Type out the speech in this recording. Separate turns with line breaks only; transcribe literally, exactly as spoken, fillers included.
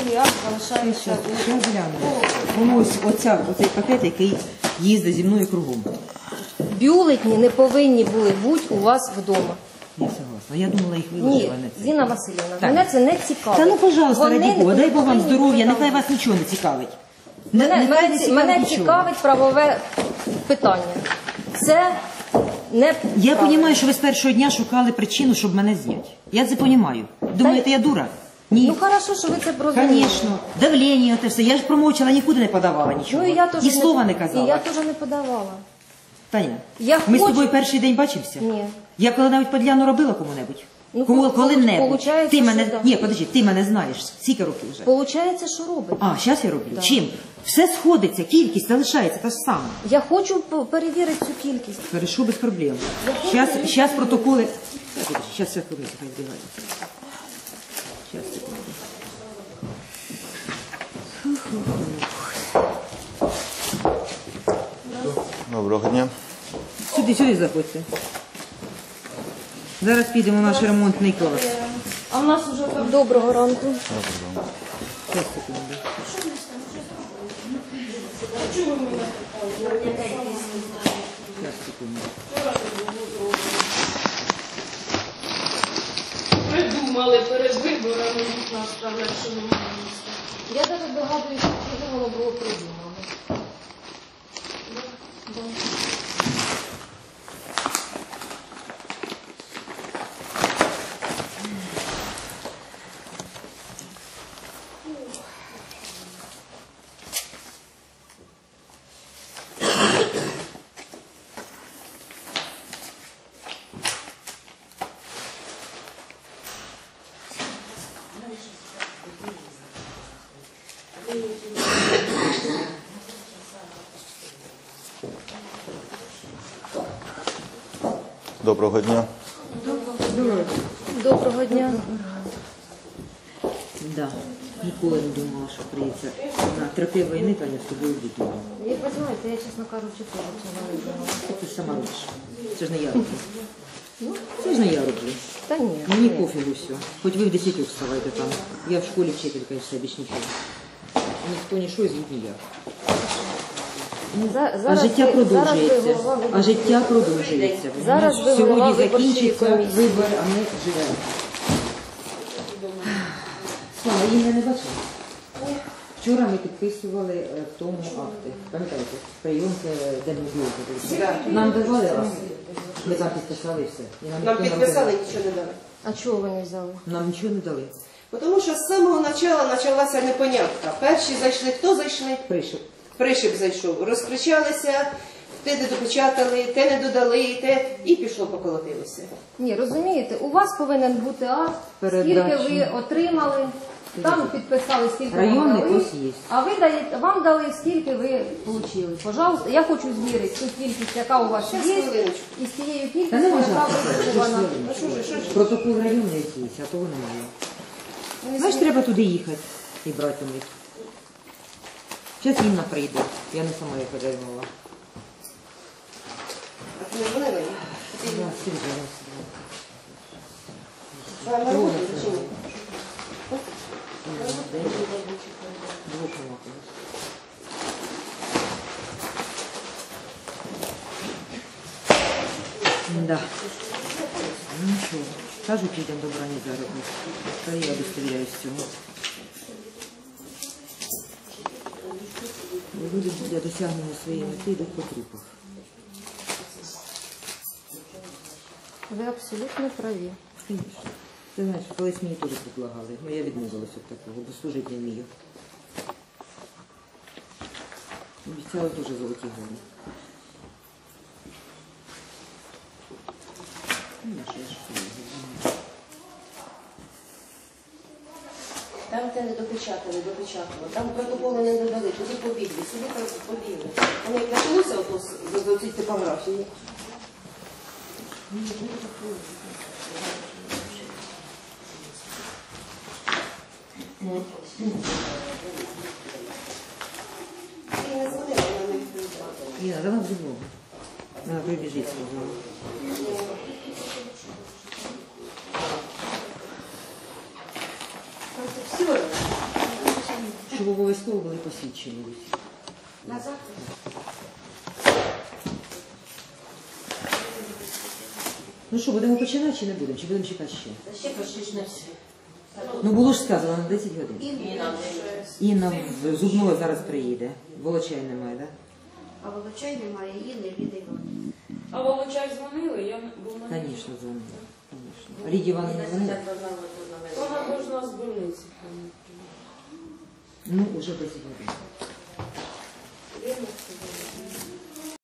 другий акт залишається у...
Що гляну? Воно ось оця, оцей пакет, який їздить зі мною кругом.
Бюлетні не повинні були бути у вас вдома.
Я согласна. Я думала, їх
Ні,
виложила на це.
Зіна Васильівна,
Так.
мене це не цікавить.
Та ну, пожалуйста,
Вони
раді
не
Бога, дай Бог вам
повинні
здоров'я,
бути
нехай
там.
вас нічого не цікавить. Не-
Мене,
нехай
мене,
не
ці- мене
нічого.
цікавить правове питання. Це не...
Я розумію, що ви з першого дня шукали причину, щоб мене зняти. Я це розумію. Думаєте, я дура? Ні.
Ну, хорошо, що ви це розумієте.
Звісно. Давлення, те все. Я ж промовчала, нікуди не подавала нічого.
Ну, і я теж
Ні слова не
І
казала.
я теж не подавала.
Таня,
Я
ми
хочу-
з тобою перший день бачимося?
Ні.
Я коли-небудь подляну робила кому-небудь?
Ну,
Кому,
пол-
коли-небудь.
получається,
Ти
що
мене...
да.
Ні, подожди, ти мене знаєш. Скільки років вже?
Получається, що робить.
А, зараз я роблю.
Да.
Чим? Все сходиться, кількість залишається та ж сама.
Я хочу п- перевірити цю кількість.
Хорошо, без проблем. Сейчас, сейчас протоколи... Сейчас все ходить, хай збігає. Сейчас, секунду.
Доброго дня.
Сюди, сюди заходьте. Зараз підемо в наш ремонтний клас.
А в нас вже доброго ранку.
Щас, секунду. Щас, секунду.
Придумали перед виборами нас сказати, що немає міста.
Я навіть догадуюся, що воно було придумано.
Доброго дня.
Доброго дня.
Да. Ніколи не думала, що прийдеться на тропі війни, Таня, з тобою бути.
Як ви знаєте, я, чесно кажучи, теж цього не думала.
Ти ж сама робиш. Це ж не я роблю. Це ж не я роблю.
Та ні.
Мені
ні.
пофігу все. Хоч ви в десятьох вставайте там. Я в школі вчителька і все, більш нічого. Ніхто ні що, звідти ні я.
За-
А
зараз
життя
ви-
продовжується.
зараз ви голова виборчої-
А життя продовжується.
Зараз ви голова
Сьогодні
виборчої
закінчиться
комісії.
вибор, а ми живемо. Слава, її я не бачила. Вчора ми підписували е, в тому акти. Пам'ятаєте? Прийом е, демобілки. Нам давали раз. Ми там підписали і все. І
Нам
ніхто не
підписали,
розказав.
нічого не дали.
А чого ви не взяли?
Нам нічого не дали.
Тому що з самого початку почалася непонятка. Перші зайшли, хто зайшли?
Прийшов.
Пришип зайшов. Розкричалися, те не допечатали, те не додали, те, і пішло поколотилося.
Ні, розумієте, у вас повинен бути акт, скільки
Передачі.
ви отримали, там підписали, скільки вам
Районний
дали,
ось є.
а ви даєте, вам дали, скільки ви отримали. Пожалуйста, я хочу звірити ту кількість, яка у вас
Щас,
є,
хвилиночку.
і з тією
Та
кількістю,
не
яка
можна.
виписана.
А що ж, що ж?
Протокол районний якийсь, а того немає. Знаєш, треба туди їхати і брати у них. Зараз Інна прийде. Я не сама їх отримувала.
А ти не дзвонила їй?
Да, Сергій,
Вона на роботі чи ні?
двох молоків. Да. Ну нічого. Кажуть, людям добра не заробить. Та я удостовіряюсь цього. Люди для досягнення своєї мети йдуть по трупах.
Ви абсолютно праві.
Звісно. Ти знаєш, колись мені теж предлагали, але я відмовилася від такого, бо служити не вмію. Обіцяли дуже золоті гори. Ну, я ж я ж знаю.
Там те не допечатали, допечатали. Там протоколи не додали, туди побігли, сюди побігли. Вони як почалося ото з- з цієї типографії. І не дзвонила, вона не відповідала.
Ліна, давай в зубу. Вона прибіжить сказала.
Там це всі.
щоб обов'язково були посвідчені.
На завтра.
Ну що, будемо починати чи не будемо? Чи будемо чекати ще?
Та ще почти не все.
Ну було ж сказано на десять годин.
І нам
Інна в Зубного зараз приїде. Волочай немає, так?
А Волочай немає, її не Ліди Іванівни.
А Волочай дзвонили? Я був на
Да? Звісно, дзвонила. Конечно. Лідії Івановні дзвонила?
Вона должна з больниці.
Ну, уже десять годин.